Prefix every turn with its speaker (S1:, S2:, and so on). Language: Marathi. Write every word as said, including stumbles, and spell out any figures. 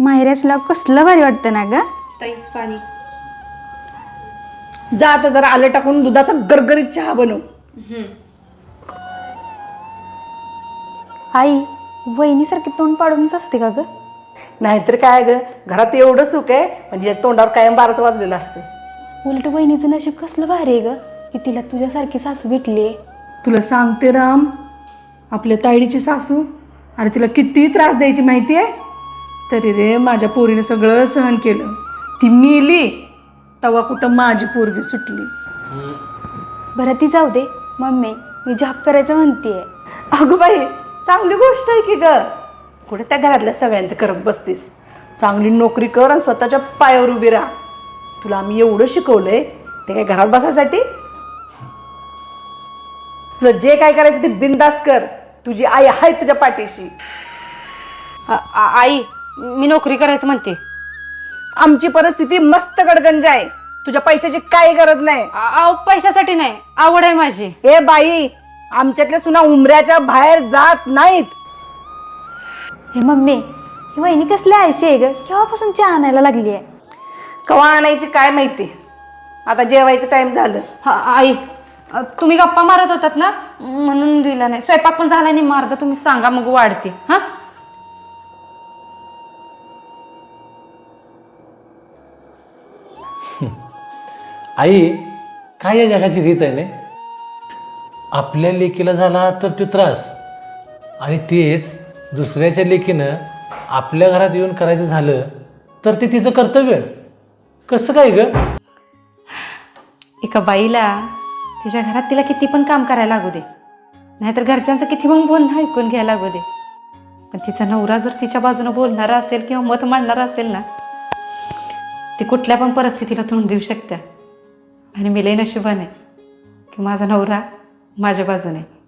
S1: माहेरसला कसलं भारी वाटतं ना ग.
S2: ताई पाणी जा आता जरा आलं टाकून दुधाचा गरगरीत चहा बनव.
S1: आई वहिनीसारखी तोंड पाडूनच असते का ग.
S2: नाहीतर काय ग, घरात एवढं सुख आहे म्हणजे तोंडावर कायम बाराच वाजलेलं असतं.
S1: उलट वहिनीचं नशीब कसलं भारी आहे ग की तिला तुझ्यासारखी सासू भेटली.
S2: तुला सांगते राम, आपल्या ताईडीची सासू अरे तिला किती त्रास द्यायची माहिती आहे. तरी रे माझ्या पोरीने सगळं सहन केलं. ती मेली तेव्हा कुठं माझी पोरगी सुटली.
S1: बरं ती जाऊ दे मम्मी, मी जॉब करायचं म्हणतेय.
S2: अगं बाई चांगली गोष्ट आहे की ग, कुठे त्या घरातल्या सगळ्यांचं करत बसतीस. चांगली नोकरी कर आणि स्वतःच्या पायावर उभी राहा. तुला आम्ही एवढं शिकवलंय ते काय घरात बसायसाठी. तुला जे काय करायचं ते बिंदास कर, तुझी आई आहे तुझ्या पाठीशी.
S3: आ- आ- आई मी नोकरी करायचं म्हणते.
S2: आमची परिस्थिती मस्त गडगंज आहे, तुझ्या पैशाची काही गरज नाही.
S3: आ- आव पैशासाठी नाही, आवड आहे माझी.
S2: हे बाई आमच्यातल्या सुना उमऱ्याच्या बाहेर जात नाहीत.
S1: हे मम्मी, ही वहिनी कसली आळशी आहे ग, केव्हापासून चहा आणायला लागली आहे.
S2: कवा आणायची काय माहिती. आता जेवायचं टाइम झालं.
S3: हा आई अ, तुम्ही गप्पा मारत होतात ना म्हणून दिला नाही. स्वयंपाक पण झाला नाही, मारदा तुम्ही सांगा मग वाढते. हा
S4: आई काय या जगाची रीत आहे ना. आपल्या लेकीला झाला तर तो त्रास आणि तेच दुसऱ्याच्या लेकीनं आपल्या घरात येऊन करायचं झालं तर ते तिचं कर्तव्य. कसं काय ग.
S3: एका बाईला तिच्या घरात तिला किती पण काम करायला लागू दे, नाहीतर घरच्यांचं किती पण बोलणं ऐकून घ्यायला लागू दे, पण तिचा नवरा जर तिच्या बाजूनं बोलणारा असेल किंवा मत मांडणारा असेल ना, ती कुठल्या पण परिस्थितीला तोंड देऊ शकते. आणि मी लई नशिबाने की माझा नवरा माझ्या बाजूने.